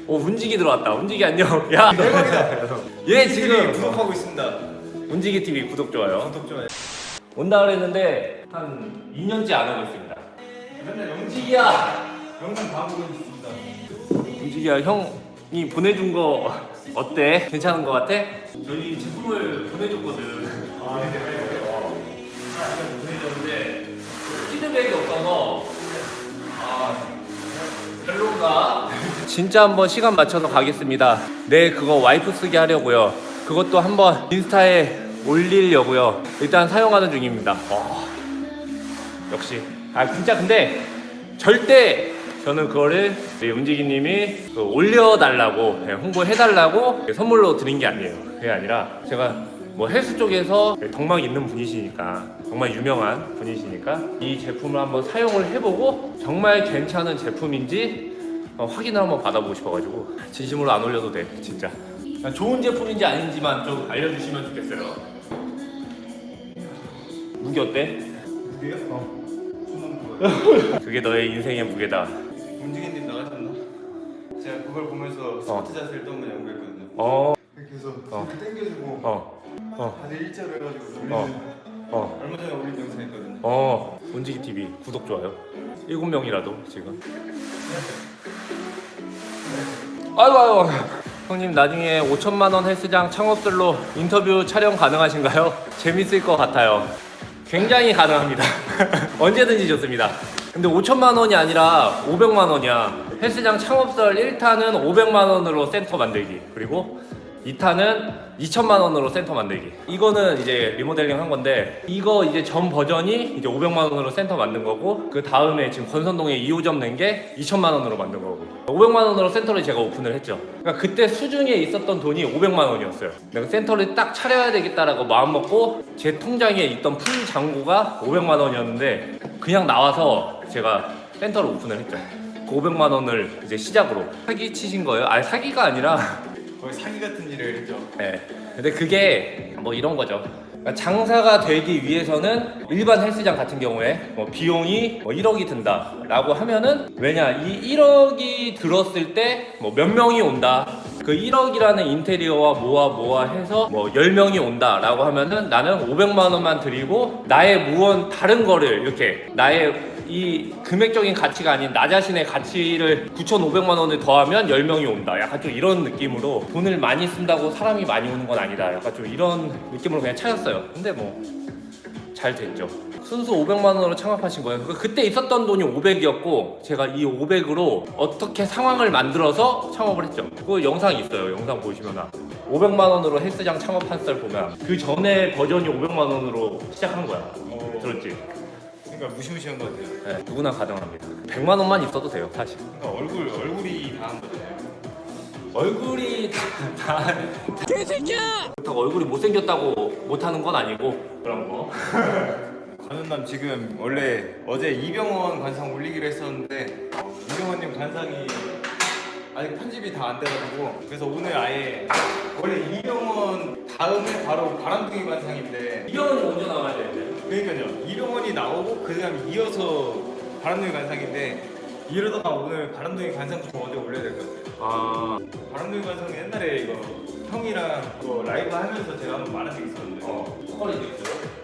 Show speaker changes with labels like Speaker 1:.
Speaker 1: 운지기 들어왔다. 운지기 안녕. 야
Speaker 2: 대박이다.
Speaker 1: 얘 지금
Speaker 2: 구독하고 있습니다.
Speaker 1: 운지기 TV 구독 좋아요.
Speaker 2: 구독 좋아요.
Speaker 1: 온다 그랬는데 한 2년째 안 오고 있습니다.
Speaker 2: 맨날
Speaker 1: 운지기야.
Speaker 2: 영상 다 보고 있습니다.
Speaker 1: 운지기야 형이 보내준 거 어때? 괜찮은 거 같아? 저희 제품을 보내줬거든.
Speaker 2: 아, 네.
Speaker 1: 보내줬는데 피드백이 없어서 별론가? 진짜 한번 시간 맞춰서 가겠습니다. 네, 그거 와이프 쓰게 하려고요. 그것도 한번 인스타에 올리려고요. 일단 사용하는 중입니다. 역시 진짜 근데 절대 저는 그거를 움직이님이 올려달라고 홍보해달라고 선물로 드린 게 아니에요. 그게 아니라 제가 뭐 헬스 쪽에서 덕망 있는 분이시니까 정말 유명한 분이시니까 이 제품을 한번 사용을 해보고 정말 괜찮은 제품인지 확인을 한번 받아보고 싶어가지고 진심으로 안 올려도 돼 진짜. 좋은 제품인지 아닌지만 좀 알려주시면 좋겠어요. 무게 어때?
Speaker 2: 무게요? 손은 거예요.
Speaker 1: 그게 너의 인생의 무게다.
Speaker 2: 문지기님 나가셨나? 제가 그걸 보면서 스쿼트 자세를 또 한번 연구했거든요. 이렇게 해서 이렇게 당겨주고 다들 일자로 해가지고 올리는 얼마 전에 올린 영상 있거든요.
Speaker 1: 운지기 TV 구독 좋아요. 7명이라도 지금. 아이고 형님 나중에 5천만 원 헬스장 창업들로 인터뷰 촬영 가능하신가요? 재밌을 것 같아요. 굉장히 가능합니다. 언제든지 좋습니다. 근데 5천만 원이 아니라 500만 원이야. 헬스장 창업설 1탄은 500만 원으로 센터 만들기, 그리고 2탄은 2천만 원으로 센터 만들기. 이거는 이제 리모델링 한 건데, 이거 이제 전 버전이 이제 500만 원으로 센터 만든 거고, 그 다음에 지금 건선동에 2호점 낸 게 2천만 원으로 만든 거고, 500만 원으로 센터를 제가 오픈을 했죠. 그러니까 그때 수중에 있었던 돈이 500만 원이었어요. 내가 센터를 딱 차려야 되겠다라고 마음 먹고 제 통장에 있던 풀 잔고가 500만 원이었는데 그냥 나와서 제가 센터를 오픈을 했죠. 그 500만 원을 이제 시작으로 사기 치신 거예요? 아니 사기가 아니라
Speaker 2: 거의 사기 같은 일을 했죠.
Speaker 1: 네. 근데 그게 뭐 이런 거죠. 그러니까 장사가 되기 위해서는 일반 헬스장 같은 경우에 뭐 비용이 뭐 1억이 든다 라고 하면은, 왜냐 이 1억이 들었을 때 뭐 몇 명이 온다, 그 1억이라는 인테리어와 뭐와 해서 뭐 10명이 온다 라고 하면은 나는 500만 원만 드리고 나의 무언 다른 거를 이렇게 나의 이 금액적인 가치가 아닌 나 자신의 가치를 9,500만 원을 더하면 10명이 온다. 약간 좀 이런 느낌으로 돈을 많이 쓴다고 사람이 많이 오는 건 아니다. 약간 좀 이런 느낌으로 그냥 차렸어요. 근데 뭐 잘 됐죠. 순수 500만 원으로 창업하신 거예요. 그때 있었던 돈이 500이었고 제가 이 500으로 어떻게 상황을 만들어서 창업을 했죠. 그 영상이 있어요. 영상 보시면 500만 원으로 헬스장 창업한 썰 보면 그 전에 버전이 500만 원으로 시작한 거야. 들었지?
Speaker 2: 그러니까 무시무시한 것 같아요.
Speaker 1: 네, 누구나 가능합니다. 100만 원만 있어도 돼요, 사실.
Speaker 2: 그러니까 얼굴이 다 한 거잖아요.
Speaker 1: 얼굴이 다 개새끼야! 그렇다고 얼굴이 못생겼다고 못하는 건 아니고 그런 거.
Speaker 2: 관훈남 지금 원래 어제 이병헌 관상 올리기로 했었는데 이병헌님 관상이 아직 편집이 다 안 돼가지고, 그래서 오늘 아예 원래 이병헌 다음에 바로 바람둥이 관상인데,
Speaker 1: 이병헌이 먼저 나가야 되는데.
Speaker 2: 그러니까요, 이병헌이 나오고 그 다음에 이어서 바람둥이 관상인데, 이러다가 오늘 바람둥이 관상부터 먼저 올려야 될 것 같아요. 바람둥이 관상은 옛날에 이거 형이랑 이거 라이브 하면서 제가 한번 말한 적 있었는데
Speaker 1: 스컬이 있어요?